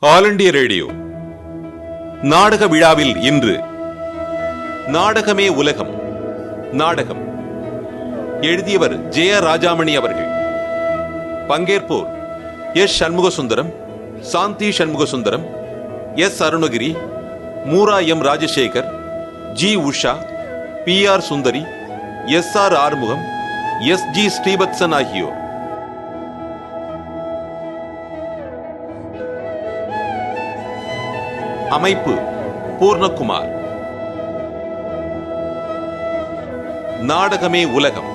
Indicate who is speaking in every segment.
Speaker 1: All India radio நாடக விழாவில் இன்று நாடகமே உலகம் நாடகம் எழுதியவர் ஜெய ராஜாமணி அவர்கள். பங்கேற்போர் S Shanmugasundaram, Shanthi Shanmugasundaram, S Arunagiri, Moora M Rajasekar, G Usha, P R Sundari, S R Arumugam, S G Srivatsan ஆகியோர். அமைப்பு பூர்ணகுமார். நாடகமே உலகம்.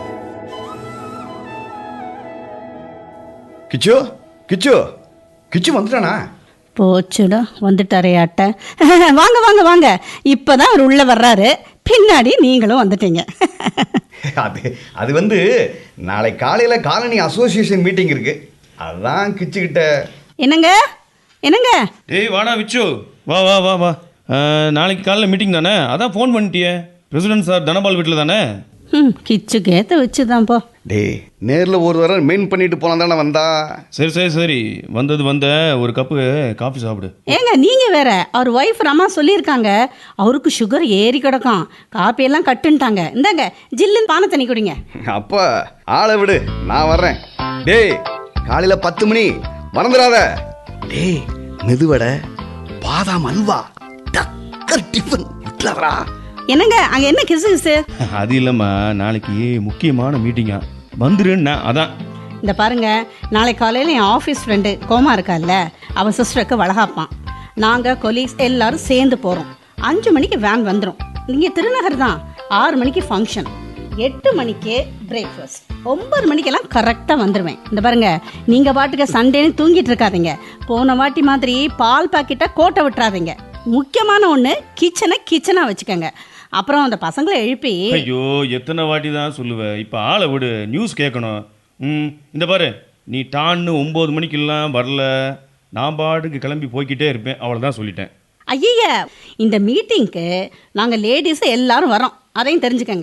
Speaker 2: கிச்சு கிச்சு கிச்சு வந்துட்டானா?
Speaker 3: போச்சுடா, வந்துட்டாரையாட்ட. வாங்க வாங்க வாங்க, இப்பதான் அவர் உள்ள வர்றாரு, பின்னாடி நீங்களும் வந்துட்டீங்க.
Speaker 2: அது வந்து நாளை காலையில காலனி அசோசியேஷன் மீட்டிங் இருக்கு, அதான் கிச்சுக்கிட்ட.
Speaker 3: என்னங்க என்னங்க?
Speaker 4: டேய் வாடா விச்சு, வா வா வா வா. நாளைக்கு காலைல மீட்டிங் தானே, அதான் ஃபோன் பண்ணிட்டியே. பிரசிடென்ட் சார் தனபால் வீட்டில் தானே?
Speaker 3: கிச்சுக்கு ஏற்ற வச்சுதான் போ.
Speaker 2: டே, நேரில் ஒரு தடவை மெயின் பண்ணிட்டு போனால் தானே வந்தா.
Speaker 4: சரி சரி சரி, வந்த ஒரு கப்பு காஃபி சாப்பிடு.
Speaker 3: ஏங்க நீங்க வேற, அவர் ஒய்ஃப் ரமா சொல்லியிருக்காங்க, அவருக்கு சுகர் ஏறி கிடக்கும், காப்பியெல்லாம் கட்டுன்ட்டாங்க. இந்தாங்க ஜில்லுன்னு பானை தண்ணி குடிங்க.
Speaker 2: அப்பா ஆளை விடு, நான் வர்றேன். டேய், காலையில 10 மணி மறந்துடாத. டேய், மெதுவடை, பாதாம் அல்வா, டக்கர் டிஃபன் விட்டுலவரா.
Speaker 3: என்னங்க அங்க என்ன கிசு கிசு?
Speaker 4: அது இல்லைம்மா, நாளைக்கு முக்கியமான மீட்டிங்கா, வந்துருன்னா அதான்.
Speaker 3: இந்த பாருங்க, நாளை காலையில் என் ஆஃபீஸ் ஃப்ரெண்டு கோமா இருக்கால்ல, அவன் சிஸ்டருக்கு வளகாப்பான். நாங்கள் கொலீக்ஸ் எல்லாரும் சேர்ந்து போகிறோம். 5 மணிக்கு வேன் வந்துடும். நீங்கள் திருநகர் தான். 6 மணிக்கு ஃபங்க்ஷன், 8 மணிக்கு பிரேக்ஃபாஸ்ட், 9 மணிக்கெல்லாம் கரெக்டாக வந்துடுவேன். இந்த பாருங்க, நீங்கள் பாட்டுக்கு சண்டேன்னு தூங்கிட்டு இருக்காதீங்க. போன வாட்டி மாதிரி பால் பாக்கெட்டை கோட்டை விட்டுறாதீங்க. முக்கியமான ஒன்று, கிச்சனாக வச்சுக்கோங்க. அப்புறம் அந்த பசங்களை எழுப்பி.
Speaker 4: ஐயோ, எத்தனை வாட்டி தான் சொல்லுவேன், இப்போ ஆளை விடு, நியூஸ் கேட்கணும். இந்த பாரு, நீ டான்னு 9 மணிக்கெல்லாம் வரல, நான் பாட்டுக்கு கிளம்பி போய்கிட்டே இருப்பேன், அவ்வளோதான் சொல்லிட்டேன்.
Speaker 3: ஐய, இந்த மீட்டிங்க்கு நாங்கள் லேடிஸ் எல்லாரும் வரோம், அதையும் தெரிஞ்சுக்கங்க.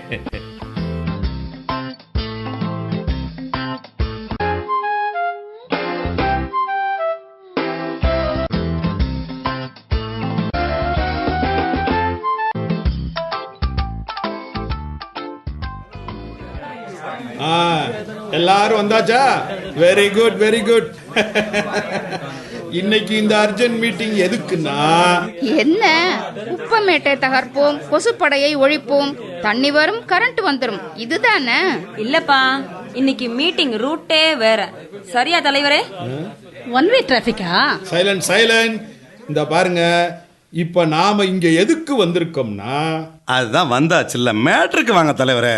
Speaker 5: எல்லாரும் வந்தாச்சா? Very good very good. இன்னைக்கு இந்த அர்ஜென்ட் மீட்டிங் எதுக்குன்னா,
Speaker 6: என்ன, குப்பமேட்டை தகர்ப்போம், கொசுப்படையை ஒழிப்போம், தண்ணி வரும், கரண்ட் வந்துடும், இதுதானே?
Speaker 7: இல்லப்பா, இன்னைக்கு மீட்டிங் ரூட்டே வேற. சரியா தலைவரே?
Speaker 3: ஒன் வே டிராபிக்கா?
Speaker 5: Silent silent. இந்த பாருங்க, இப்ப நாம இங்க எதுக்கு வந்திருக்கோம்னா,
Speaker 8: அதுதான் வந்தாச்சுல்ல, மேட்ருக்கு வாங்க தலைவரே.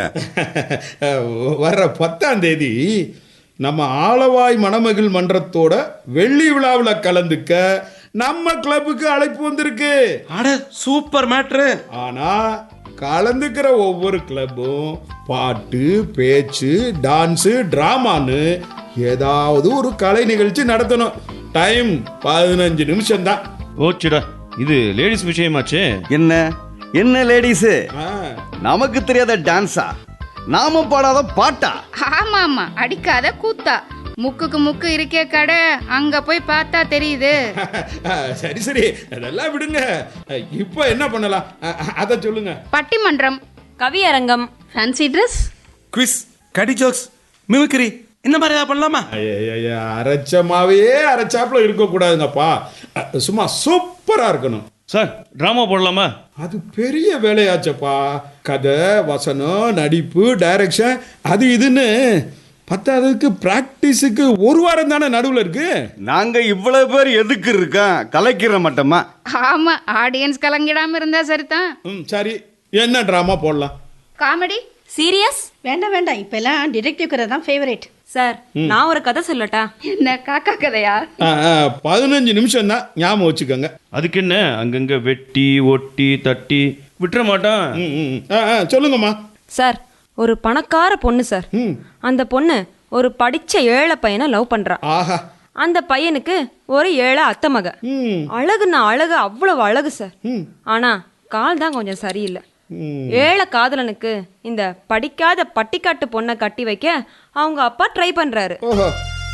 Speaker 5: வர்ற 10ஆம் தேதி நம்ம ஆலவாய் மணமகள் மன்றத்தோட வெள்ளி விழாவில் கலந்துக்க நம்ம கிளப்புக்கு அழைப்பு வந்திருக்கு.
Speaker 8: அட சூப்பர் மேட்ரு.
Speaker 5: ஆனா கலந்துக்கிற ஒவ்வொரு கிளப்பும் பாட்டு, பேச்சு, டான்ஸு, டிராமான்னு ஏதாவது ஒரு கலை நிகழ்ச்சி நடத்தணும். டைம் 15 நிமிஷம் தான்.
Speaker 4: ஓச்சுடா, இது லேடிஸ் விஷயமாச்சு.
Speaker 2: என்ன என்ன லேடிஸு, நமக்கு தெரியாத டான்ஸா, நாம பாடாத பாட்டா?
Speaker 6: ஆமா ஆமா, அடிக்காத கூத்தா. முக்குக்கு முக்கு இருக்கே கடை, அங்க போய் பார்த்தா தெரியுது.
Speaker 5: சரி சரி, அதெல்லாம் விடுங்க. இப்போ என்ன பண்ணலாம், அத சொல்லுங்க.
Speaker 6: பட்டிமன்றம்,
Speaker 7: கவியரங்கம்,
Speaker 3: ஃபேன்சி ட்ரெஸ்,
Speaker 8: குவிஸ், கடி ஜோக்ஸ், மிமிக்ரி, இந்த மாதிரி ஏதாவது பண்ணலாமா?
Speaker 5: அரைச்சமாவே அரைச்சாப்புல இருக்க கூடாதுங்கப்பா, சும்மா சூப்பரா இருக்கணும்.
Speaker 4: சார், ட்ராமா போடலாமா?
Speaker 5: அது பெரிய வேலையாச்சப்பா. கதை, வசனம், நடிப்பு, டைரக்ஷன், அது இதுன்னு பத்தாவதுக்கு பிராக்டிஸுக்கு 1 வாரம் தானே நடுவில் இருக்கு.
Speaker 2: நாங்க இவ்வளவு பேர் எதுக்கு இருக்கோம், கலைக்கிற மாட்டோமா?
Speaker 6: ஆமா, ஆடியன்ஸ் கலங்கிடாம இருந்தா சரிதான்.
Speaker 5: சரி, என்ன டிராமா போடலாம்?
Speaker 6: Comedy,
Speaker 7: serious?
Speaker 3: வேண்டாம் வேண்டாம், இப்பெல்லாம் டிடெக்டிவ் கதை தான் ஃபேவரேட்.
Speaker 7: சார், நான் ஒரு கதை சொல்லட்டா?
Speaker 6: என்ன காக்கா கதையா?
Speaker 5: 15 நிமிஷம் தான், ஞாபகம் வச்சுக்கோங்க.
Speaker 4: அதுக்கு என்ன, அங்கங்க வெட்டி ஒட்டி தட்டி விட்டுற மாட்டான்.
Speaker 5: சொல்லுங்கம்மா.
Speaker 7: சார், ஒரு பணக்கார பொண்ணு சார். அந்த பொண்ணு ஒரு படிச்ச ஏழை பையனை லவ் பண்றா.
Speaker 5: ஆஹா.
Speaker 7: அந்த பையனுக்கு ஒரு ஏழை அத்தை மக. அழகுன்னா அழகு, அவ்வளவு அழகு சார். ஆனா கால் தான் கொஞ்சம் சரியில்லை. ஏழை காதலனுக்கு இந்த படிக்காத பட்டிக்காட்டு பொண்ணை கட்டி வைக்க அவங்க அப்பா ட்ரை பண்றாரு.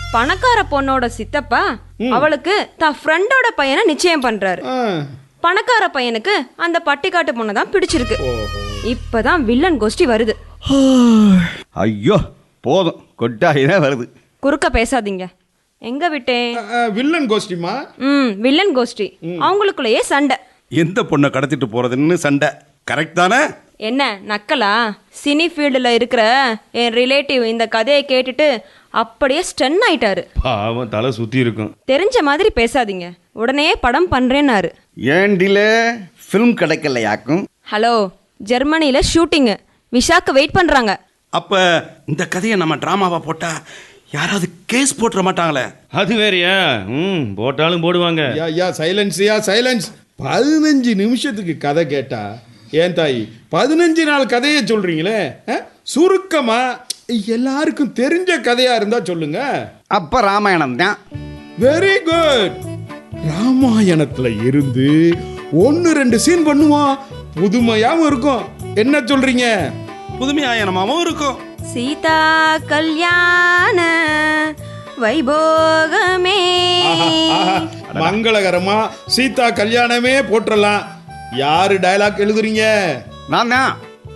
Speaker 7: பணக்கார பொண்ணோட சித்தப்பா அவளுக்கு தான் ஃப்ரெண்டோட பையனை நிச்சயம் பண்றாரு. பணக்கார பையனுக்கு அந்த பட்டிக்காட்டு பொண்ணை தான் பிடிச்சிருக்கு. இப்பதான் வில்லன் கோஷ்டி வருது.
Speaker 2: ஐயோ போதும், கொட்டாயிதான் வருது.
Speaker 7: குறுக்க பேசாதீங்க. எங்க விட்டேன்?
Speaker 5: வில்லன் கோஷ்டிமா?
Speaker 7: வில்லன் கோஷ்டி. அவங்களுக்குள்ளேயே சண்டை.
Speaker 8: எந்த பொண்ணை கடத்திட்டு போறதுன்னு சண்டை. கரெக்ட் தானே?
Speaker 7: என்ன நக்கலா? சினி ஃபீல்டில் இருக்கிற என் ரிலேட்டிவ் இந்த கதையை கேட்டுட்டு அப்படியே ஸ்டன் ஆயிட்டாரு.
Speaker 4: பாவம், தலை சுத்தி இருக்கும்.
Speaker 7: தெரிஞ்ச மாதிரி பேசாதீங்க. உடனே படம் பண்றேன்னாரு.
Speaker 2: ஏண்டில ஃபிலிம் கிடைக்கலையாக்கும்?
Speaker 7: ஹலோ, ஜெர்மனியில ஷூட்டிங். விஷாக்கு வெயிட் பண்றாங்க.
Speaker 8: அப்ப இந்த கதையை நம்ம டிராமாவா போட்டா யாராவது கேஸ் போட்டுற மாட்டாங்களே?
Speaker 4: அது வேறயா? போட்டாலும் போடுவாங்க.
Speaker 5: யா சைலன்ஸ். 15 நிமிஷத்துக்கு கதை கேட்டா ஏன் தாய் 15 நாள் கதையை சொல்றீங்களே? சுருக்கமா எல்லாருக்கும் தெரிஞ்ச கதையா இருந்தா சொல்லுங்க.
Speaker 2: அப்ப ராமாயணம் தான்.
Speaker 5: Very good. ராமாயணத்துல இருந்து 1-2 சீன் பண்ணுவோம். புதுமையாவும் இருக்கும். என்ன சொல்றீங்க?
Speaker 8: புதுமையாயனமாவும் இருக்கும்.
Speaker 7: சீதா கல்யாண வைபோகமே.
Speaker 5: மங்களகரமா சீதா கல்யாணமே போட்டுறலாம். யாரு டயலாக் எழுதுறீங்க?
Speaker 2: நான் தான்.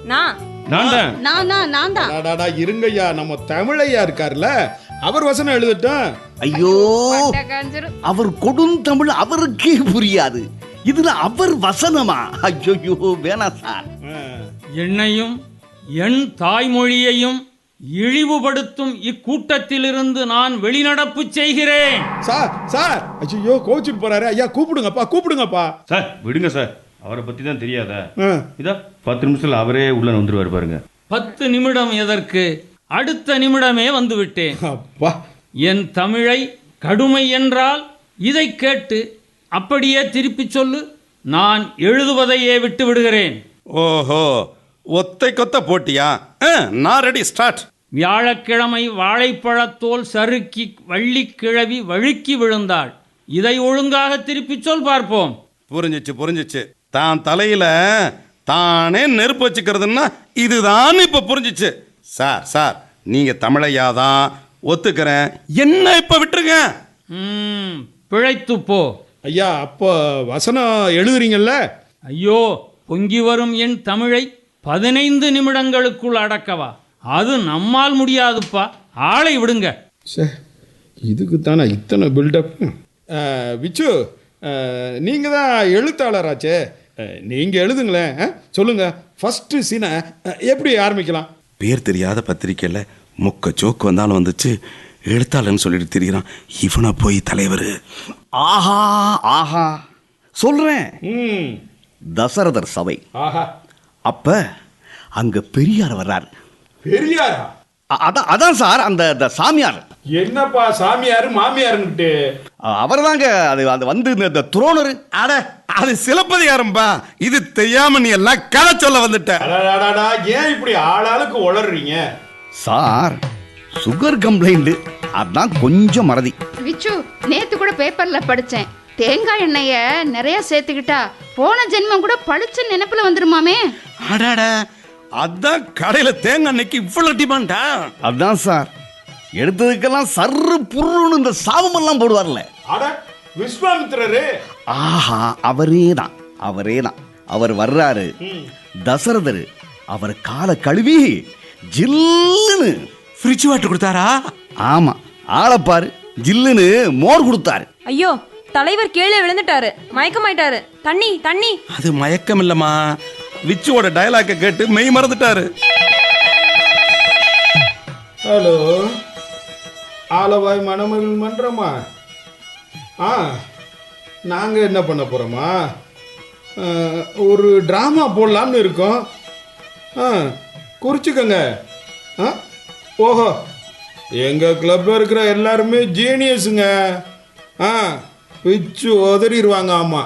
Speaker 3: நான் தான்.
Speaker 5: இருங்கய்யா, நம்ம தமிழையா இருக்கார்ல, அவர் வசனம் எழுதட்டும்.
Speaker 2: ஐயோ, அவர் கொடுந்தமிழ் அவருக்கே புரியாது. இதுல அவர் வசனமா? ஐயோ வேணாம் சார்.
Speaker 9: என்னையும் என் தாய்மொழியையும் இழிவுபடுத்தும் இக்கூட்டத்திலிருந்து நான் வெளிநடப்பு செய்கிறேன்.
Speaker 5: சார் ஐயோ கோச்சிட்டு போறாரு. ஐயா கூப்பிடுங்கப்பா.
Speaker 4: சார் விடுங்க சார், அவரை பத்தி தான் தெரியாதா? இதா 10 நிமிஷத்துல அவரே உள்ள வந்துருவாரு பாருங்க.
Speaker 9: 10 நிமிடம் எதற்கு? அடுத்த நிமிடமே வந்து விட்டேன்.
Speaker 5: அப்பா,
Speaker 9: என் தமிழை கடுமை என்றால் இதை கேட்டு அப்படியே திருப்பி சொல்லு. நான் எழுதுவதையே விட்டு விடுகிறேன்.
Speaker 8: ஓஹோ, ஒத்தை கொத்த போட்டியா? நான் ரெடி, ஸ்டார்ட்.
Speaker 9: வியாழக்கிழமை வாழைப்பழத்தோல் சறுக்கி வள்ளிக்கிழவி வழுக்கி விழுந்தாள். இதை ஒழுங்காக திருப்பி சொல் பார்ப்போம்.
Speaker 8: புரிஞ்சிச்சு. தான் தலையில தானே நெருப்பு வச்சுக்கிறதுன்னா இதுதான் இப்ப புரிஞ்சிச்சு. சார் நீங்க தமிழையாதான் ஒத்துக்கிறேன். என்ன இப்ப விட்டுருங்க.
Speaker 9: பிழைத்து போ.
Speaker 5: ஐயா, அப்போ வசனம் எழுதுறீங்கல்ல?
Speaker 9: ஐயோ, பொங்கி வரும் என் தமிழை 15 நிமிடங்களுக்குள் அடக்கவா? அது நம்மால் முடியாதுப்பா. ஆளை விடுங்க.
Speaker 5: இதுக்கு தானே இத்தனை பில்டப். விச்சு, நீங்க தான் எழுத்தாளராச்சே, நீங்க எழுதுங்களேன். சொல்லுங்க, ஃபர்ஸ்ட் சீனை எப்படி ஆரம்பிக்கலாம்?
Speaker 8: பேர் தெரியாத பத்திரிக்கையில் முக்க ஜோக்கு வந்தாலும் வந்துச்சு. எழுத்தாளன்னு சொல்லிட்டு திரிகிறான். இவனை போய் தலைவர்.
Speaker 2: ஆஹா சொல்றேன். தசரதர் சபை. அப்ப அங்க பெரியார் வர்றாரு.
Speaker 5: பெரியாரா?
Speaker 2: அதான் சார் அந்த சாமியார்.
Speaker 5: என்னப்பா சாமியார் மாமியார்னுட்டு?
Speaker 2: அவர் தாங்க அது வந்து இந்த துரோணர்.
Speaker 8: அட, அது சிலப்பதிகாரம்பா. இது தெரியாம நீ எல்லாம் கதை சொல்ல வந்துட்ட.
Speaker 5: ஏன் இப்படி ஆளாளுக்கு உளறீங்க?
Speaker 2: சார், சுகர் கம்ப்ளைண்ட், அதான் கொஞ்சம் மறதி.
Speaker 6: விச்சு, நேத்து கூட பேப்பர்ல படிச்சேன். தேங்காய் எண்ணெய நிறைய சேர்த்துக்கிட்டா போன ஜென்மம் கூட பளிச்சு நினைப்புல வந்துருமாமே.
Speaker 8: அடாட, அதான் கடையில தேங்காய் எண்ணெய்க்கு இவ்வளவு டிமாண்டா?
Speaker 2: அதான் சார், எடுத்ததுக்கெல்லாம் சர்ரு புருன்னு இந்த சாபமெல்லாம் போடுவார்ல.
Speaker 5: அட, விஸ்வாமித்திரரே.
Speaker 2: ஆஹா, அவரே தான். அவர் வர்றாரு. தசரதர் அவர் காலை கழுவி ஜில்லுன்னு
Speaker 8: ஃப்ரிட்ஜ் வாட்டர் கொடுத்தாரா?
Speaker 2: ஆமா, ஆளப்பாரு, ஜில்லுன்னு மோர் கொடுத்தாரு.
Speaker 7: ஐயோ, தலைவர் கீழே விழுந்துட்டாரு, மயக்கமாயிட்டாரு. தண்ணி.
Speaker 8: அது மயக்கம் இல்லம்மா, விச்சுவோட டயலாக்க கேட்டு மெய் மறந்துட்டாரு.
Speaker 5: ஹலோ, ஆலவாய் மணமகள் மன்றமா? நாங்க என்ன பண்ண போறோமா? ஒரு டிராமா போடலாம்னு இருக்கோம். குறிச்சுக்கோங்க. ஓஹோ, எங்க கிளப்ல இருக்கிற எல்லாருமே ஜீனியஸுங்க. பிச்சு உதறிடுவாங்க. ஆமா,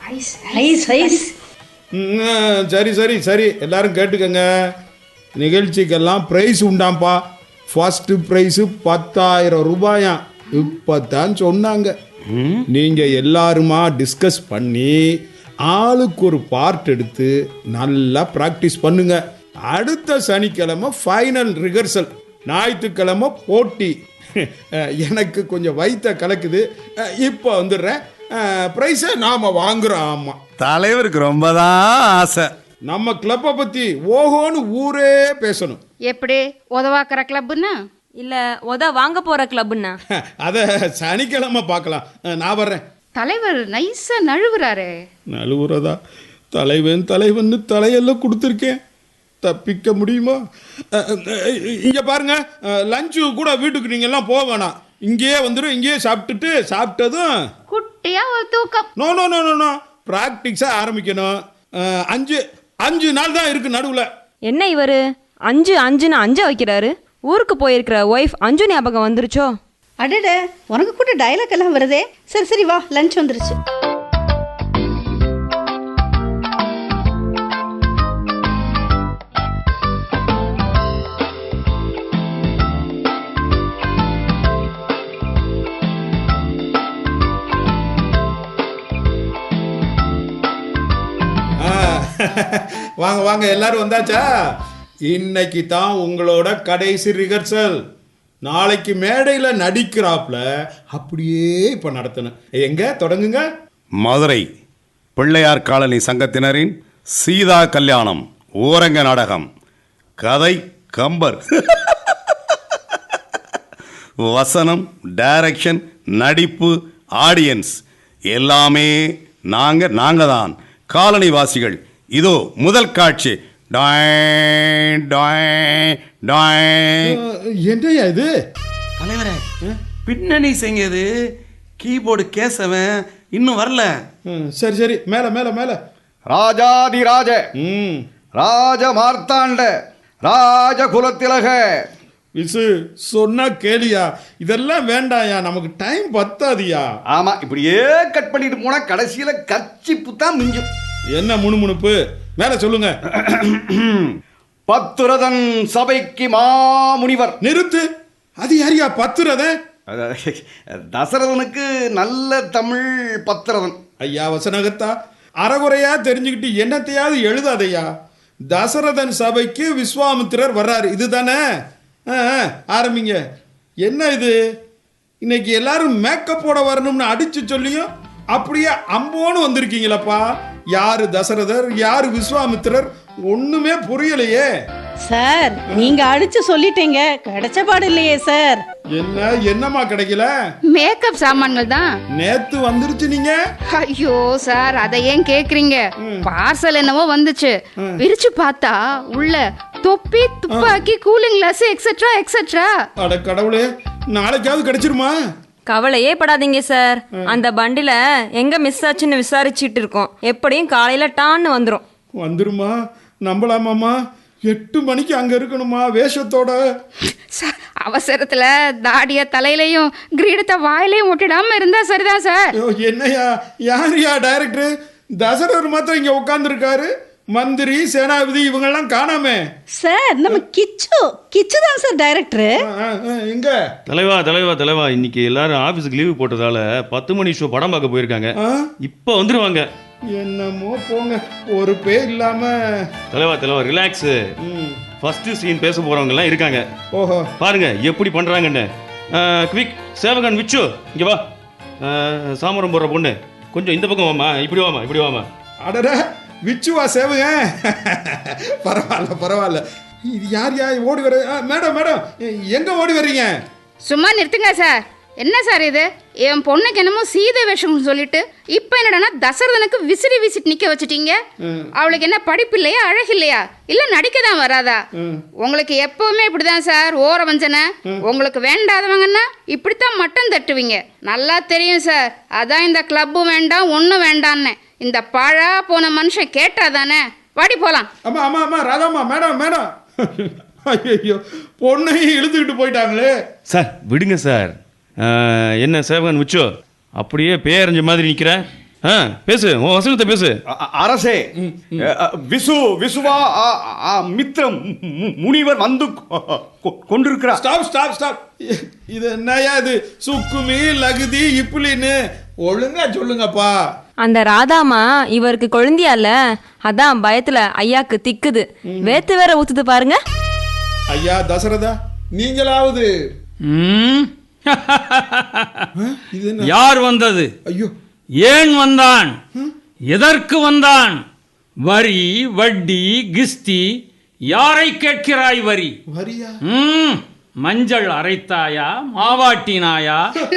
Speaker 5: சரி, எல்லாரும் கேட்டுக்கங்க. நிகழ்ச்சிக்கெல்லாம் பிரைஸ் உண்டாம்பா. ஃபர்ஸ்ட் பிரைஸ் 10,000 ரூபாயாம். இப்பதான் சொன்னாங்க. நீங்க எல்லாருமா டிஸ்கஸ் பண்ணி ஆளுக்கு ஒரு பார்ட் எடுத்து நல்லா பிராக்டிஸ் பண்ணுங்க. அடுத்த சனிக்கிழமை ஃபைனல் ரிஹர்சல், ஞாயிற்றுக்கிழமை போட்டி. எனக்கு கொஞ்சம் வயிற்ற கலக்குது. இப்போ வந்துடுறேன். ப்ரைஸை நாம் வாங்குறோம். ஆமாம்,
Speaker 8: தலைவருக்கு ரொம்ப தான் ஆசை.
Speaker 5: நம்ம கிளப்பை பற்றி ஓஹோன்னு ஊரே பேசணும்.
Speaker 6: எப்படி உதவாக்குற கிளப்புன்னா?
Speaker 7: இல்ல வாங்க போற கிளப்னா?
Speaker 5: அதை சனிக்கிழமை பார்க்கலாம். நான் வர்றேன்.
Speaker 6: தலைவர் நைஸா நழுவுறாரே.
Speaker 5: நழுவுறதா? தலைவன் தலையெல்லாம் கொடுத்துருக்கேன், தப்பிக்க முடியுமா? இங்கே பாருங்க, லஞ்சு கூட வீட்டுக்கு நீங்கள் எல்லாம் போக வேணாம். இங்கேயே வந்துடும். இங்கேயே சாப்பிட்டதும்
Speaker 6: குட்டியா ஒரு தூக்கம்.
Speaker 5: நோ ப்ராக்டிக்ஸாக ஆரம்பிக்கணும். 5 நாள் தான் இருக்கு நடுவில்.
Speaker 7: என்ன இவரு 5 வைக்கிறாரு? ஊருக்கு போயிருக்கிற ஒய்ஃப் அஞ்சு ஞாபகம் வந்துருச்சோ?
Speaker 3: அடட, உனக்கு கூட டயலாக் எல்லாம் வருதே. சரி வா, லஞ்ச் வந்துருச்சு.
Speaker 5: வாங்க எல்லாரும் வந்தாச்சா? இன்னைக்கு தான் உங்களோட கடைசி ரிஹர்சல். நாளைக்கு மேடையில் நடிக்கிறாப்ல அப்படியே இப்போ நடத்தணும். எங்க தொடங்குங்க.
Speaker 8: மதுரை பிள்ளையார் காலனி சங்கத்தினரின் சீதா கல்யாணம் ஓரங்க நாடகம். கதை கம்பர். வசனம், டைரக்ஷன், நடிப்பு, ஆடியன்ஸ் எல்லாமே நாங்க தான். காலனி வாசிகள். இதோ முதல் காட்சி.
Speaker 5: என்னையா இது?
Speaker 8: தலைவரே, பின்னணி செஞ்சது கீபோர்டு கேசவன் இன்னும் வரல.
Speaker 5: சரி மேல.
Speaker 2: ராஜாதிராஜ ராஜ மார்த்தாண்ட ராஜகுலத்திலக.
Speaker 5: விசு சொன்னா கேளியா? இதெல்லாம் வேண்டாயா, நமக்கு டைம் பத்தாதியா.
Speaker 2: ஆமா, இப்படியே கட் பண்ணிட்டு போனா கடைசியில கர்ச்சிப்பு தான் மிஞ்சும்.
Speaker 5: என்ன முணுமுணுப்பு? மேல சொல்லுங்க.
Speaker 2: பத்துரதன் சபைக்கு மாமுனிவர்.
Speaker 5: நிறுத்து. அது யாரியா பத்துரதன்?
Speaker 2: தசரதனுக்கு நல்ல தமிழ் பத்திரதன்.
Speaker 5: ஐயா வசனகத்தா, அறகுறையா தெரிஞ்சுக்கிட்டு என்னத்தையாவது எழுதாதையா. தசரதன் சபைக்கு விஸ்வாமித்திரர் வர்றாரு, இதுதானே? ஆரம்பிங்க. என்ன இது? இன்னைக்கு எல்லாரும் மேக்கப்போட வரணும்னு அடிச்சு சொல்லியும் அப்படியே அம்போன்னு வந்திருக்கீங்களப்பா. யாரு தசரதர், யாரு விஸ்வாமித்திரர், ஒண்ணுமே புரியலையே.
Speaker 3: சார், நீங்க அடிச்சு சொல்லிட்டீங்க, கிடைச்ச பாடு இல்லையே சார்.
Speaker 5: என்னமா கிடைக்கல?
Speaker 6: மேக்கப் சாமான்கள் தான்
Speaker 5: நேத்து வந்துருச்சு. நீங்க
Speaker 6: ஐயோ சார், அதை ஏன் கேக்குறீங்க? பார்சல் என்னவோ வந்துச்சு, பிரிச்சு பார்த்தா உள்ள தொப்பி, துப்பாக்கி, கூலிங் கிளாஸ் எக்ஸெட்ரா.
Speaker 5: அட கடவுளே, நாளைக்காவது கிடைச்சிருமா?
Speaker 7: கவலையே படாதீங்க சார். அந்த பண்டில எங்க மிஸ் ஆச்சுன்னு விசாரிச்சுட்டு இருக்கோம். எப்படியும் காலையில டான்னு
Speaker 5: வந்துருமா? நம்பலாமாமா? 8 மணிக்கு அங்க இருக்கணுமா வேஷத்தோட?
Speaker 6: அவசரத்துல தாடிய தலையிலையும் கிரீடத்தை வாயிலையும் ஒட்டிடாம இருந்தா சரிதான் சார்.
Speaker 5: என்னையா, யாரியா டைரக்டர்? தசரர் மாத்திரம் இங்க உட்கார்ந்து இருக்காரு, மந்திரி, சேனாபதி இவங்கெல்லாம் காணாமே.
Speaker 3: சார், நம்ம கிச்சு தான் சார் டைரக்டர்.
Speaker 5: எங்க?
Speaker 4: தலைவா, இன்னைக்கு எல்லாரும் ஆபீஸ்க்கு லீவு போட்டதால 10 மணி ஷோ படம் பார்க்க போயிருக்காங்க. இப்போ வந்துருவாங்க.
Speaker 5: என்னமோ போங்க, ஒரு பேர் இல்லாம.
Speaker 4: தலைவா ரிலாக்ஸ். ஃபர்ஸ்ட் சீன் பேச போறவங்க எல்லாம் இருக்காங்க.
Speaker 5: ஓஹோ, பாருங்க
Speaker 4: எப்படி பண்றாங்கன்னு. குவிக், சேவகன் விச்சு இங்க வா. சாமரம் போடுற பொண்ணு கொஞ்சம் இந்த பக்கம் வாமா. இப்படி வாமா.
Speaker 5: அடட, விச்சுவா சேவுங்க? பரவாயில்ல. இது யார் ஓடி வர? மேடம் எங்க ஓடி வர்றீங்க?
Speaker 6: சும்மா நிறுத்துங்க சார். என்ன சார் இது? என் பொண்ணுக்கு என்னமோ சீதை வேஷம்னு சொல்லிட்டு இப்போ என்னடா தசரதனுக்கு விசிட்டு நிக்க வச்சுட்டீங்க. அவளுக்கு என்ன படிப்பு இல்லையா, அழகு இல்லையா, இல்ல நடிக்க தான் வராதா? உங்களுக்கு எப்பவுமே இப்படிதான் சார், ஓர வஞ்சனை. உங்களுக்கு வேண்டாதவங்கன்னா இப்படித்தான் மட்டம் தட்டுவீங்க. நல்லா தெரியும் சார். அதான் இந்த கிளப்பும் வேண்டாம், ஒன்றும் வேண்டான்னு இந்த பாழா போன மனுஷன் கேட்டாதானே. வாடி போலாம்.
Speaker 5: ஆமா ராதாமா. மேடம் ஐயோ, பொண்ணையும் இழுத்துக்கிட்டு போயிட்டாங்களே.
Speaker 4: சார் விடுங்க சார். என்ன சேவகன் விச்சோ, அப்படியே பேரஞ்ச மாதிரி நிக்கிற? பேசு, உன் வசனத்தை பேசு.
Speaker 2: அரசே, விசுவா மித்ரம் முனிவர் வந்து கொண்டிருக்கிறார்.
Speaker 5: ஸ்டாப். இது என்னையா இது? சுக்குமி, லகுதி, இப்புலின்னு ஒழுங்கா சொல்லுங்கப்பா.
Speaker 7: அந்த ராதாமா இவருக்கு கொழுந்தியால, அதான் பயத்துல ஐயாக்கு திக்குது. வேத்து வேற ஊத்துது பாருங்க.
Speaker 5: ஐயா தசரதா, நீங்களாவது இது என்ன?
Speaker 9: யார் வந்தது?
Speaker 5: ஐயோ,
Speaker 9: ஏன் வந்தான்? எதற்கு வந்தான்? வரி, வட்டி, கிஸ்தி, யாரை கேட்கிறாய் வரி?
Speaker 5: வரியா?
Speaker 9: மஞ்சள் அரைத்தாயா, மாவாட்டினாயா?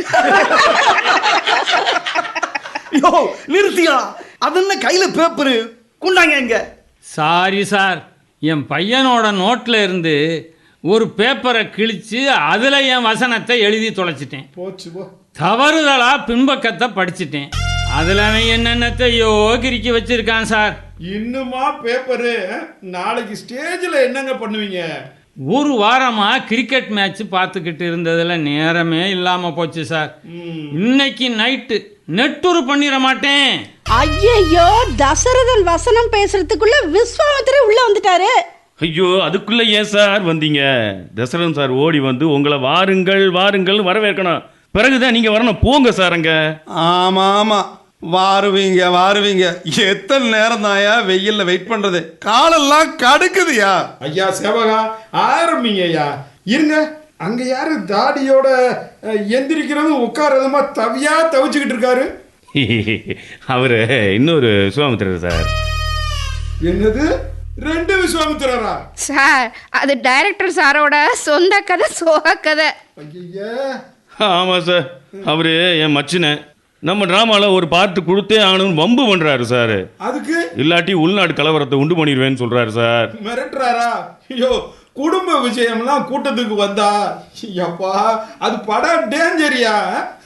Speaker 2: யோ நிறுத்தியா, அது என்ன கையில பேப்பரு கொண்டாங்க எங்க?
Speaker 9: சாரி சார், என் பையனோட நோட்ல இருந்து ஒரு பேப்பரை கிழிச்சு அதுல என் வசனத்தை எழுதி தொலைச்சிட்டேன்.
Speaker 5: போச்சு போ.
Speaker 9: தவறுதலா பின்பக்கத்தை படிச்சிட்டேன். அதுல அவன் என்னென்னத்தையோ கிறுக்கி வச்சிருக்கான் சார்.
Speaker 5: இன்னுமா பேப்பரு? நாளைக்கு ஸ்டேஜ்ல என்னங்க பண்ணுவீங்க?
Speaker 9: ஒரு வாரமா கிரிக்கெட் மேட்ச் பார்த்துக்கிட்டு இருந்ததுல நேரமே இல்லாம போச்சு சார். இன்னைக்கு நைட்டு நெட்டுரு பண்ணிட மாட்டேன்.
Speaker 3: ஐயோ, தசரதன் வசனம் பேசுறதுக்குள்ள விஸ்வாமித்திரர் உள்ள வந்துட்டாரு.
Speaker 4: ஐயோ, அதுக்குள்ள ஏன் சார் வந்தீங்க? தசரன் சார் ஓடி வந்து உங்களை வாருங்கள் வாருங்கள் வரவேற்கணும். பிறகுதான் நீங்க வரணும். போங்க சார் அங்க.
Speaker 8: ஆமா ஆமா, வாருவீங்க வாருவீங்க. எத்தனை நேரம் தாயா வெயில்ல வெயிட் பண்றது? காலெல்லாம் கடுக்குதுயா.
Speaker 5: ஐயா சேவகா, ஆரம்பிங்க ஐயா. இருங்க, அங்க யாரு தாடியோட எந்திரிக்கிறதும் உட்காரதுமா தவியா தவிச்சுக்கிட்டு இருக்காரு?
Speaker 4: அவரு இன்னொரு விஸ்வாமித்திரர் சார்.
Speaker 5: என்னது, 2 விஸ்வாமித்திரரா?
Speaker 6: சார், அது டைரக்டர் சாரோட சொந்த கதை, சோக கதை.
Speaker 5: ஐயா,
Speaker 4: ஆமா சார், அவரு என் மச்சின. நம்ம டிராமால ஒரு பார்ட் கொடுத்தே ஆகணும்னு வம்பு பண்றாரு சார்.
Speaker 5: அதுக்கு
Speaker 4: இல்லாட்டி உள்நாடு கலவரத்தை உண்டு பண்ணிடுவேன்னு சொல்றாரு சார்.
Speaker 5: மிரட்டுறாரா? ஐயோ, குடும்ப விஷயம்லாம் கூட்டத்துக்கு வந்தா அப்பா அது படம் டேஞ்சரியா.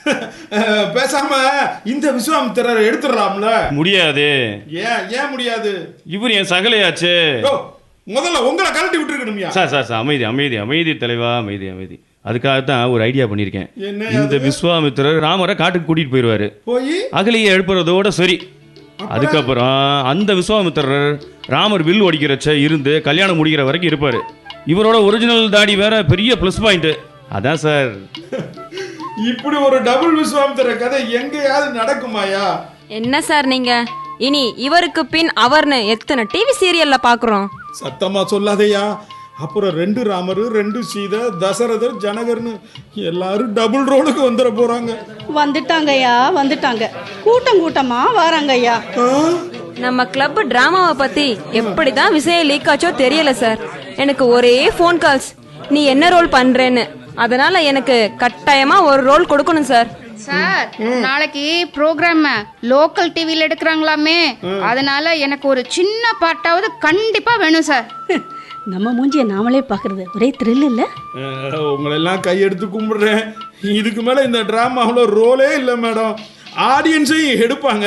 Speaker 5: பேசாம இந்த விஸ்வாமித்திரரை எடுத்துடலாம்ல.
Speaker 4: முடியாது.
Speaker 5: ஏன் முடியாது?
Speaker 4: இவர் என் சகலையாச்சு.
Speaker 5: முதல்ல உங்களை கழட்டி விட்டுருக்கணும்யா.
Speaker 4: சார் சார் சார், அமைதி அமைதி அமைதி தலைவா, அமைதி அமைதி. அதுக்காகத்தான் ஒரு ஐடியா பண்ணியிருக்கேன். இந்த விஸ்வாமித்திரர் ராமரை காட்டுக்கு கூட்டிட்டு போயிடுவாரு.
Speaker 5: போய்
Speaker 4: அகலியை எழுப்புறதோட சரி. அதுக்கப்புறம் அந்த விஸ்வாமித்திரர் ராமர் வில் ஒடிக்கிறச்ச இருந்து கல்யாணம் முடிக்கிற வரைக்கும் இருப்பாரு. இவரோட ஒரிஜினல் தாடி வேற பெரிய பிளஸ் பாயிண்ட். அதான் சார்.
Speaker 5: இப்படி ஒரு டபுள் விஸ்வாமித்திர கதை எங்கேயாவது நடக்குமாயா?
Speaker 7: என்ன சார் நீங்க? இனி இவருக்கு பின் அவர்னு எத்தனை டிவி சீரியல்ல பாக்குறோம்.
Speaker 5: சத்தமா சொல்லாதையா. அப்புறம் 2 ராமர், 2 சீதை, தசரதர், ஜனகர்னு எல்லாரும் டபுள் ரோலுக்கு வந்துட போறாங்க.
Speaker 3: வந்துட்டாங்கய்யா, வந்துட்டாங்க. கூட்டம் கூட்டமா வராங்கய்யா.
Speaker 7: நம்ம கிளப் டிராமாவை பத்தி எப்படிதான் விஷயம் லீக் ஆச்சோ தெரியல சார். எனக்கு ஒரே ஃபோன் கால்ஸ், நீ என்ன ரோல் பண்றேன்னு. அதனால எனக்கு கட்டாயமா ஒரு ரோல் கொடுக்கணும் சார்.
Speaker 6: சார், நாளைக்கு ப்ரோக்ராம் லோக்கல் டிவில எடுக்கிறாங்களாமே, அதனால எனக்கு ஒரு சின்ன பாட்டாவது கண்டிப்பா வேணும் சார்.
Speaker 3: நம்ம மூஞ்சிய நாமளே பாக்குறது ஒரே த்ரில் இல்ல?
Speaker 5: உங்களெல்லாம் கையெடுத்து கும்பிடுறேன். இதுக்கு மேல இந்த டிராமாவில் ரோலே இல்லை மேடம். ஆடியன்ஸையும் எடுப்பாங்க.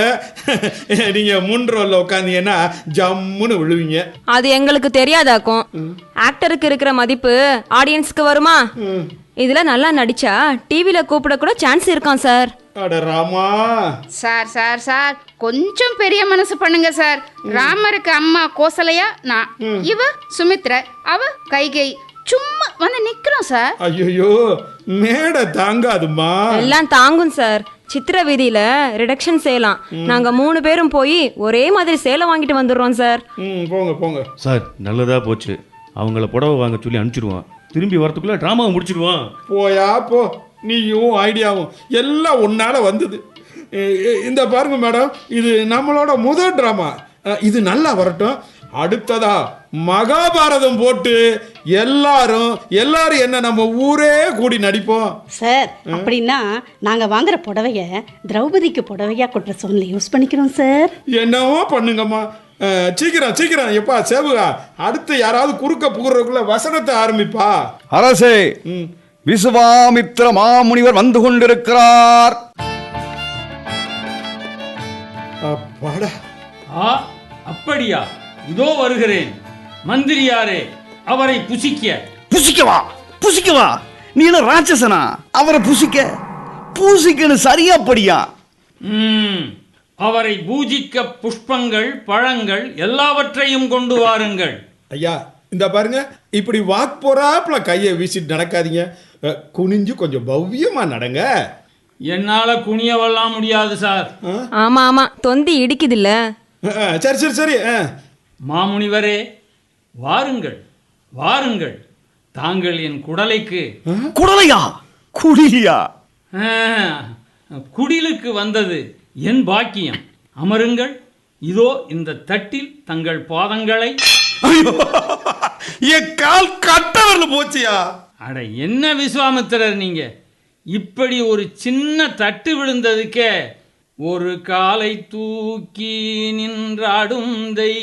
Speaker 5: நீங்க முன் ரோல்ல உட்காந்தீங்கன்னா ஜம்முன்னு விழுவீங்க.
Speaker 7: அது எங்களுக்கு தெரியாதாக்கும். ஆக்டருக்கு இருக்கிற மதிப்பு ஆடியன்ஸ்க்கு வருமா? இதுல நல்லா நடிச்சா டிவில கூப்பிட கூட சான்ஸ் இருக்கான் சார்.
Speaker 5: அட ராமா.
Speaker 6: சார் சார் சார், கொஞ்சம் பெரிய மனசு பண்ணுங்க சார். ராமருக்கு அம்மா கோசலையா, நான் இவ சுமித்ரா, அவ கைகை. சும்மா வந்து நிக்கிறோம் சார்.
Speaker 5: ஐயோ, மேடை தாங்காதுமா.
Speaker 7: எல்லாம் தாங்கும் சார். சித்திர வீதியில ரிடக்ஷன் செய்யலாம். நாங்க 3 பேரும் போய் ஒரே மாதிரி சேலை வாங்கிட்டு வந்துடுறோம் சார்.
Speaker 5: போங்க போங்க
Speaker 4: சார். நல்லதா போச்சு. அவங்கள புடவை வாங்க சொல்லி அனுப்பிச்சிடுவான். திரும்பி வரத்துக்குள்ள டிராமாவை முடிச்சிடுவான்.
Speaker 5: போயா போ. நீயும் ஐடியாவும் எல்லாம் ஒன்னால வந்தது. இந்த பாருங்க மேடம், இது நம்மளோட முதல் டிராமா. இது நல்லா வரட்டும். அடுத்ததா மகாபாரதம் போட்டு எல்லாரும் என்ன நம்ம ஊரே கூடி நடிப்போம்
Speaker 3: சார். அப்படின்னா நாங்க வாங்குற புடவைய திரௌபதிக்கு புடவையா கொட்டுற சோன்ல யூஸ் பண்ணிக்கிறோம் சார்.
Speaker 5: என்னவோ பண்ணுங்கம்மா. சீக்கிரம் சீக்கிரம். எப்பா சேவுகா, அடுத்து யாராவது குறுக்க புகுறதுக்குள்ள வசனத்தை ஆரம்பிப்பா.
Speaker 2: அரசே, விஸ்வாமித்திர மாமுனிவர் வந்து கொண்டிருக்கிறார்.
Speaker 5: அப்பாடா.
Speaker 9: அப்படியா? இதோ வருகிறேன். மந்திரியாரே, அவரை
Speaker 2: புசிக்கவா? நீ என்ன ராட்சசனா? அவரை பூசிக்கன்னு சரியா படியா?
Speaker 9: அவரை பூஜிக்க புஷ்பங்கள், பழங்கள் எல்லாவற்றையும் கொண்டு வாருங்கள்.
Speaker 5: ஐயா, இந்த பாருங்க, இப்படி வாக் போறாப்புல கையை வீசிட்டு நடக்காதீங்க. குனிஞ்சு கொஞ்சம் பவ்யமா நடங்க.
Speaker 9: என்னால குனியவெல்லாம் முடியாது சார்.
Speaker 7: ஆமா ஆமா, தொந்தி இடிக்குது இல்ல.
Speaker 5: சரி சரி சரி.
Speaker 9: மாமுனிவரே, வாருங்கள் வாருங்கள். தாங்கள் என் குடலைக்கு.
Speaker 2: குடலையா? குடியா?
Speaker 9: ஆ, குடிலுக்கு வந்தது என் பாக்கியம். அமருங்கள். இதோ இந்த தட்டில் தங்கள் பாதங்களை.
Speaker 8: ஐயோ, என் கால் கட்டவர்ல போச்சியா.
Speaker 9: அட என்ன விஸ்வாமித்திரர் நீங்க, இப்படி ஒரு சின்ன தட்டு விழுந்ததுக்கே ஒரு காலை தூக்கி நின்றாடும்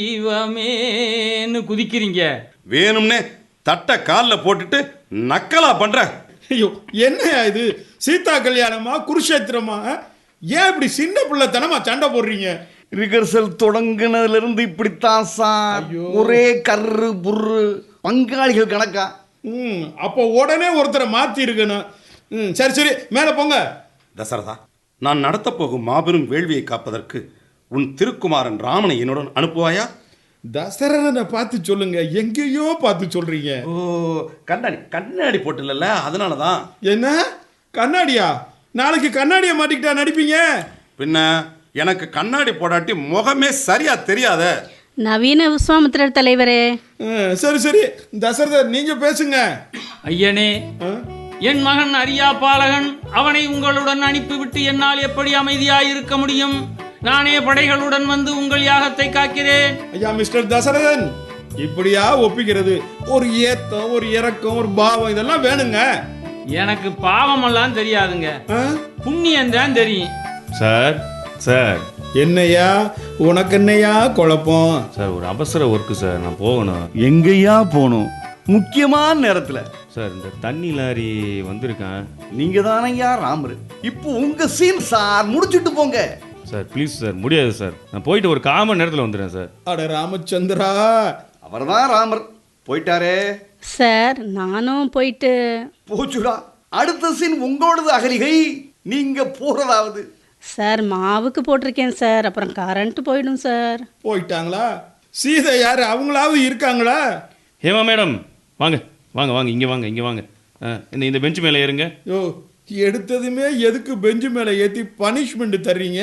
Speaker 9: தெய்வமேன்னு குதிக்கிறீங்க.
Speaker 8: வேணும்னே தட்டை காலில் போட்டுட்டு நக்கலா பண்ற.
Speaker 5: ஐயோ, என்னையா இது? சீதா கல்யாணமா குருஷேத்திரமா? ஏன் இப்படி சின்ன பிள்ளைத்தனமா சண்டை போடுறீங்க?
Speaker 2: ரிகர்சல் தொடங்குனதுல இருந்து இப்படித்தான் சார். ஒரே கர்ரு புர்ரு, பங்காளிகள் கணக்கா.
Speaker 5: அப்போ உடனே ஒருத்தரை மாத்தி இருக்கணும். சரி சரி, மேல போங்க.
Speaker 8: தசரதா, நான் நடத்த போகும் மாபெரும் வேள்வியை காப்பதற்கு உன் திருக்குமாரன் ராமனை என்னுடன் அனுப்புவாயா?
Speaker 5: தசரதனை பார்த்து சொல்லுங்க, எங்கேயோ பார்த்து சொல்றீங்க.
Speaker 8: ஓ, கண்ணாடி போட்டுல, அதனாலதான்.
Speaker 5: என்ன கண்ணாடியா? நாளைக்கு கண்ணாடியை மாட்டிக்கிட்டா நடிப்பீங்க?
Speaker 8: பின்ன எனக்கு கண்ணாடி போடாட்டி முகமே சரியா தெரியாத.
Speaker 3: நவீன விஸ்வாமித்திரர் தலைவரே.
Speaker 5: சரி சரி, தசரதர் நீங்க பேசுங்க.
Speaker 9: ஐயனே, என் மகன் அரியா பாலகன், அவனை உங்களுடன் அனுப்பிவிட்டு என்னால் எப்படி அமைதியாயிருக்க முடியும்? நானே படைகளுடன் வந்து உங்கள் யாகத்தை காக்கிறேன்.
Speaker 5: ஐயா மிஸ்டர் தசரதன், இப்படியா ஒப்பிக்கிறது? ஒரு ஏத்தம், ஒரு இறக்கம், ஒரு பாவம், இதெல்லாம் வேணுங்க.
Speaker 9: எனக்கு பாவமெல்லாம் தெரியாதுங்க, புண்ணியம் தான் தெரியும்.
Speaker 4: Sir sir.
Speaker 5: என்னையா உனக்கு என்னையா குழப்பம்?
Speaker 4: சார் ஒரு அவசர ஒர்க்கு சார், நான் போகணும்.
Speaker 2: எங்கேயா போகணும்? முக்கியமான நேரத்துல.
Speaker 4: சார் இந்த தண்ணி லாரி வந்திருக்கேன்.
Speaker 2: நீங்க தானையா ராமர். இப்போ உங்க சீன் சார், முடிச்சுட்டு போங்க.
Speaker 4: சார் ப்ளீஸ் சார், முடியாது சார். நான் போயிட்டு ஒரு 1/4 மணி நேரத்தில் வந்துடுறேன் சார்.
Speaker 5: அட ராமச்சந்திரா,
Speaker 2: அவர்தான் ராமர். போயிட்டாரே
Speaker 3: சார். நானும் போயிட்டு.
Speaker 2: போச்சுடா, அடுத்த சீன் உங்களோடது அகலிகை. நீங்க போறதாவது.
Speaker 3: சார் மாவுக்கு போட்டிருக்கேன் சார், அப்புறம் கரண்ட் போயிடும் சார்.
Speaker 5: போயிட்டாங்களா? சீதை யாரு? அவங்களாவது இருக்காங்களா?
Speaker 4: ஹேமா மேடம், வாங்க வாங்க வாங்க, இங்கே வாங்க, இங்கே வாங்க. இந்த பெஞ்சு மேலே ஏறுங்க.
Speaker 5: யோ, எடுத்ததுமே எதுக்கு பெஞ்சு மேலே ஏற்றி பனிஷ்மெண்ட் தர்றீங்க?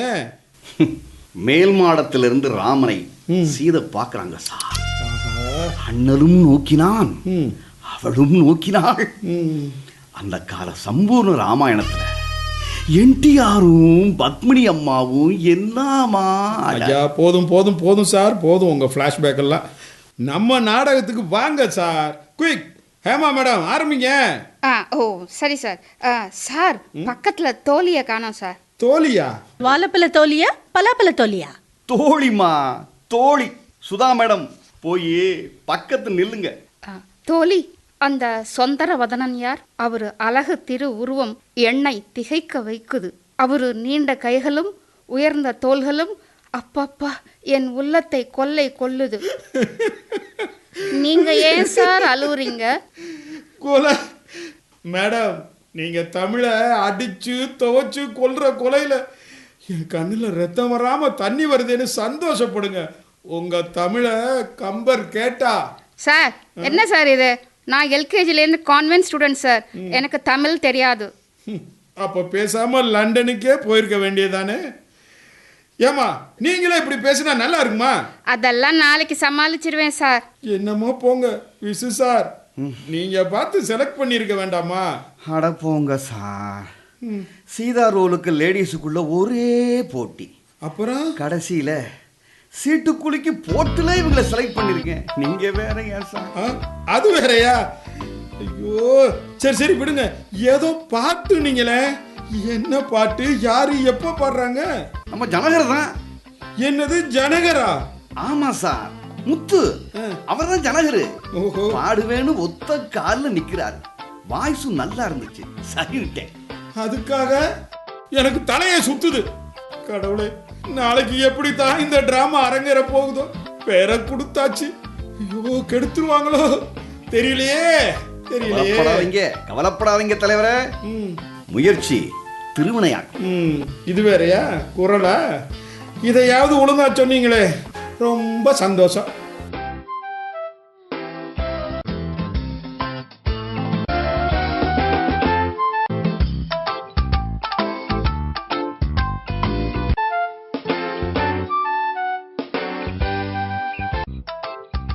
Speaker 2: மேல் மாடத்திலிருந்து ராமனை சீதை பார்க்கறாங்க சார். அண்ணலும் நோக்கினான், அவளும் நோக்கினாள். அந்த கால சம்பூர்ண ராமாயணத்துல என்டிஆரும் பத்மினி அம்மாவும் என்னமா.
Speaker 5: ஐயா போதும் போதும் போதும் சார், போதும் உங்க ஃப்ளாஷ்பேக் எல்லாம். நம்ம நாடகத்துக்கு வாங்க சார். குயிக், ஹேமா மேடம் ஆரம்பிங்க.
Speaker 6: ஓ சரி சார். சார், பக்கத்துல தோழியை காணோம் சார்.
Speaker 5: தோழியா?
Speaker 3: வாழைப்பழ தோழியா பலாப்பழ தோழியா?
Speaker 2: தோழிமா, தோழி சுதா மேடம். போய் பக்கத்து நில்லுங்க.
Speaker 6: தோழி, அந்த சொந்தர வதனன் யார்? அவரு அழகு திரு உருவம் எண்ணெய் திகைக்க வைக்குது. அவரு நீண்ட கைகளும் உயர்ந்த தோள்களும் அப்பப்பா என் உள்ளத்தை கொள்ளை கொள்ளுது. நீங்க ஏன் சார் அழுவுறீங்க?
Speaker 5: கொலை மேடம், நீங்க தமிழை அடிச்சு துவைச்சு கொல்ற கொலையில என் கண்ணுல ரத்தம் வராம தண்ணி வருதுன்னு சந்தோஷப்படுங்க. உங்க தமிழை கம்பர் கேட்டா.
Speaker 6: சார் என்ன சார் இது? நான் எல்கேஜிலேருந்து கான்வென்ட் ஸ்டூடெண்ட் சார், எனக்கு தமிழ் தெரியாது.
Speaker 5: அப்ப பேசாம லண்டனுக்கே போயிருக்க வேண்டியதானே? ஏமா நீங்களே இப்படி பேசினா நல்லா இருக்குமா?
Speaker 6: அதெல்லாம் நாளைக்கு சமாளிச்சிருவேன் சார்.
Speaker 5: என்னமோ போங்க விசு சார், நீங்க பார்த்து செலக்ட் பண்ணிருக்க வேண்டாமா?
Speaker 2: அட போங்க சார். சீதா ரோலுக்கு லேடிஸுக்குள்ள ஒரே போட்டி.
Speaker 5: அப்புறம்
Speaker 2: கடைசியில சீட்டுக்குலுக்கி போட்டுல இவங்களை செலக்ட் பண்ணிருக்கேன். நீங்க வேற ஏன் சார்?
Speaker 5: அது வேறயா? ஐயோ சரி சரி விடுங்க. ஏதோ பாட்டு நீங்களே, என்ன பாட்டு? யாரு எப்ப பாடுறாங்க?
Speaker 2: நம்ம ஜனகர் தான்.
Speaker 5: என்னது ஜனகரா?
Speaker 2: ஆமா சார், முத்து அவர் தான் ஜனகரு. பாடுவேன்னு ஒத்த காலில் நிக்கிறாரு. வாய்ஸும் நல்லா இருந்துச்சு, சரிட்டேன்.
Speaker 5: அதுக்காக எனக்கு தலையை சுத்துது. கடவுளே, நாளைக்கு எப்படி தான் இந்த டிராமா அரங்கேற போகுதோ? பேரை கொடுத்தாச்சு, ஐயோ கெடுத்துருவாங்களோ தெரியலையே தெரியலையே.
Speaker 2: கவலைப்படாதீங்க தலைவரே, முயற்சி திருவினையாக்கும்.
Speaker 5: இது வேறயா குரலா? இதையாவது ஒழுங்கா சொன்னீங்களே, ரொம்ப சந்தோஷம்.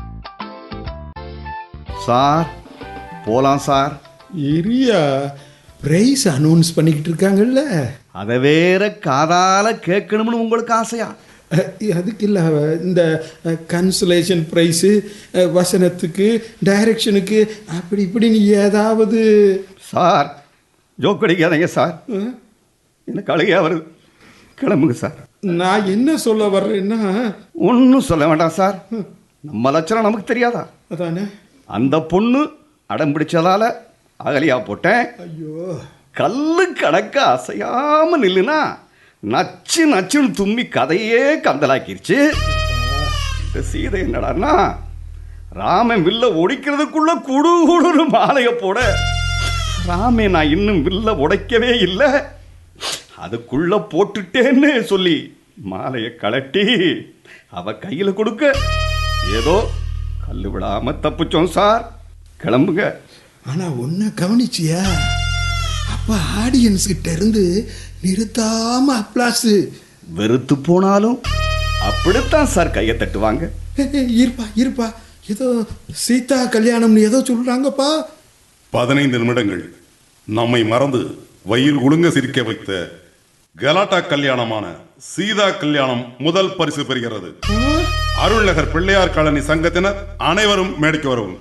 Speaker 2: சார் போலாம் சார்.
Speaker 5: இரியா, பிரைஸ் அனௌன்ஸ் பண்ணிக்கிட்டு இருக்காங்கல்ல.
Speaker 2: அதை வேற காதால கேட்கணும்னு உங்களுக்கு ஆசையா?
Speaker 5: அதுக்கு இல்லை, இந்த கன்சலேஷன் ப்ரைஸு, வசனத்துக்கு, டைரக்ஷனுக்கு, அப்படி இப்படின்னு ஏதாவது.
Speaker 2: சார் ஜோக் அடிக்காதீங்க சார், எனக்கு அழுகையா வருது. கிளம்புங்க சார்.
Speaker 5: நான் என்ன சொல்ல வர்றேன்னா,
Speaker 2: ஒன்றும் சொல்ல வேண்டாம் சார். நம்ம லட்சணம் நமக்கு தெரியாதா?
Speaker 5: அதானே.
Speaker 2: அந்த பொண்ணு அடம் பிடிச்சதால அகலியா போட்டேன்.
Speaker 5: ஐயோ,
Speaker 2: கல்லு கணக்க அசையாம நில்லுனா நச்சு நச்சுன்னு தும்மி கதையே கந்தலாக்கிருச்சு. இந்த சீதை என்னடான்னா, ராமன் வில்ல ஒடிக்கிறதுக்குள்ள குடு குடுன்னு மாலையை போட, ராமே நான் இன்னும் வில்ல உடைக்கவே இல்லை, அதுக்குள்ள போட்டுட்டேன்னு சொல்லி மாலையை கலட்டி அவ கையில் கொடுக்க ஏதோ கல்லு விடாம தப்பிச்சோம் சார். கிளம்புங்க.
Speaker 5: ஆனா ஒன்ன கவனிச்சியா, அப்ப ஆடியன்ஸ் கிட்ட இருந்து நிறுத்தாம அப்ளாஸ்.
Speaker 2: வெறுத்து போனாலும் அப்படித்தான் சார் கையை தட்டுவாங்க.
Speaker 5: இருப்பா இருப்பா, ஏதோ சீதா கல்யாணம்னு ஏதோ சொல்றாங்கப்பா.
Speaker 10: 15 நிமிடங்கள் நம்மை மறந்து வயிறு ஒழுங்க சிரிக்க வைத்த கலாட்டா கல்யாணமான சீதா கல்யாணம் முதல் பரிசு பெறுகிறது. அருள்நகர் பிள்ளையார் காலனி சங்கத்தினர் அனைவரும் மேடைக்கு வரவும்.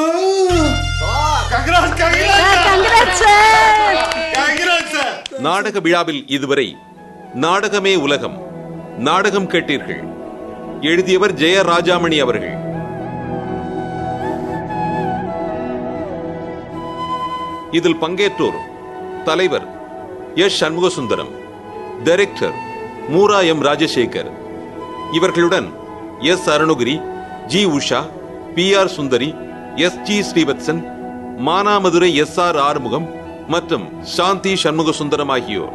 Speaker 1: நாடக விழாவில் இதுவரை நாடகமே உலகம் நாடகம் கேட்டீர்கள். எழுதியவர் ஜெய ராஜாமணி அவர்கள். இதில் பங்கேற்றோர் தலைவர் S Shanmugasundaram, director Moora M Rajasekar. இவர்களுடன் S Arunagiri, G Usha, P R Sundari, S G Srivatsan, Manamadurai S R Arumugam மற்றும் சாந்தி சண்முகசுந்தரம் ஆகியோர்.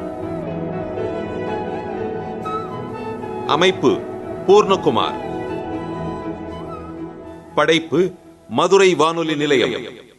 Speaker 1: அமைப்பு பூர்ணகுமார். படைப்பு மதுரை வானொலி நிலையம்.